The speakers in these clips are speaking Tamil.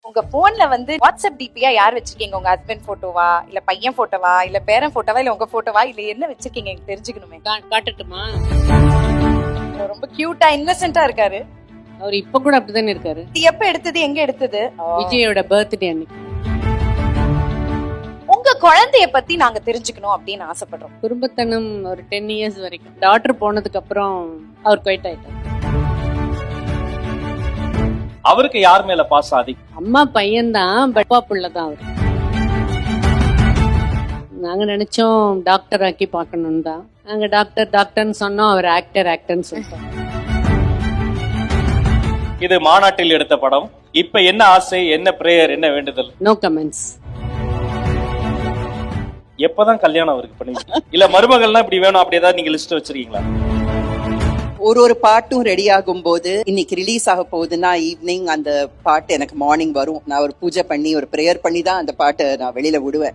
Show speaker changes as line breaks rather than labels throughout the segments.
உங்க போன்ல வந்து வாட்ஸ்அப் டிபியா யார் வச்சிருக்கீங்க? உங்க ஹஸ்பண்ட் போட்டோவா, இல்ல பையன் போட்டோவா, இல்ல பேரன் போட்டோவா, இல்ல உங்க போட்டோவா, இல்ல என்ன வச்சிருக்கீங்க? எனக்கு தெரிஞ்சுக்கணுமே.
காட்டட்டுமா?
ரொம்ப கியூட்டா இன்னசென்ட்டா இருக்காரு.
அவர் இப்ப கூட அப்படிதானே இருக்காரு.
இது எப்ப எடுத்தது, எங்க எடுத்தது?
விஜயோட பர்த்டே அன்னைக்கு.
உங்க குழந்தைய பத்தி நாங்க தெரிஞ்சுக்கணும் அப்படின்னு ஆசைப்படுறோம்.
குடும்பத்தனம் ஒரு 10 இயர்ஸ் வரைக்கும். டாக்டர் போனதுக்கு அப்புறம் அவர் குவைட் ஆயிட்டார்.
அவருக்கு யார் மேல பாசம் அதிகம்?
அம்மா பையன் தான், அப்பா புள்ளதான் அவர். நாங்க நினைச்சோம் டாக்டர் ஆக்கி பாக்கணும் தான். நாங்க டாக்டர்னு சொன்னோம், அவர் ஆக்டர்னு சொல்லிட்டோம்.
இது மாநாட்டில் எடுத்த படம். இப்ப என்ன ஆசை, என்ன பிரேயர், என்ன வேண்டுதல்?
No comments.
எப்பதான் கல்யாணம் அவருக்கு பண்ணுவீங்க? இல்ல மருமகள்னா இப்படி வேணும் அப்படி ஏதாவது நீங்க லிஸ்ட் வச்சிருக்கீங்களா?
ஒரு பாட்டும் ரெடி ஆகும் போது இன்னைக்கு ரிலீஸ் ஆக போகுதுன்னா ஈவினிங் அந்த பாட்டு எனக்கு மார்னிங் வரும். நான் ஒரு பூஜை பண்ணி ஒரு பிரேயர் பண்ணி தான் அந்த பாட்டை நான் வெளியில விடுவேன்.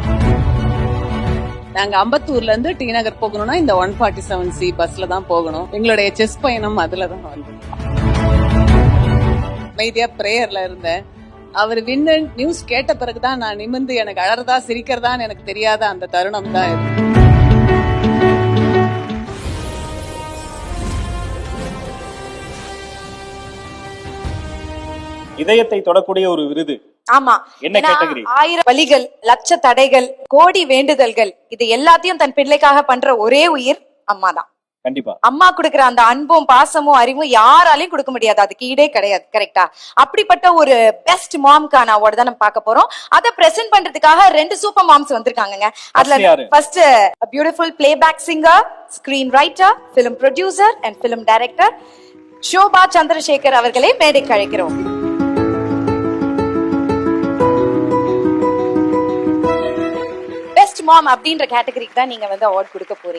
நாங்க அம்பத்தூர்ல இருந்து டி நகர் போகணும்னா இந்த 147C பஸ்ல தான் போகணும். எங்களுடைய செஸ் பயணம் அதுலதான் வந்து அமைதியா பிரேயர்ல இருந்தேன். அவர் வின்னு நியூஸ் கேட்ட பிறகுதான் நான் நிமிர்ந்து எனக்கு அழறதா சிரிக்கிறதான்னு எனக்கு தெரியாத அந்த தருணம் தான் இது.
இதயத்தை தொடக்கூடிய ஒரு விருது.
ஆமா,
என்ன கேட்டகரி?
1000 வலிகள், லட்ச தடைகள், கோடி வேண்டுதல்கள், இது எல்லாத்தையும் தன் பிள்ளைக்காக பண்ற ஒரே உயிர் அம்மா தான்.
கண்டிப்பா
அம்மா கொடுக்கிற அந்த அன்பும் பாசமும் அறிவும் யாராலையும் கொடுக்க முடியாது. அதுக்கு ஈடே கிடையாது. கரெக்டா? அப்படிப்பட்ட ஒரு பெஸ்ட் மாம்கான அவார்டு தான் நம்ம பார்க்க போறோம். அதை பிரசன்ட் பண்றதுக்காக 2 சூப்பர் மாம்ஸ் வந்திருக்காங்க. அதுல first beautiful playback singer, screen writer, film producer and film director Shobha Chandrasekhar அவர்களை மேடைக்கு அழைக்கிறோம். பெஸ்ட் மாம் அப்படின்ற கேட்டகரிக்கு தான் நீங்க வந்து அவார்ட் கொடுக்க போறீங்க.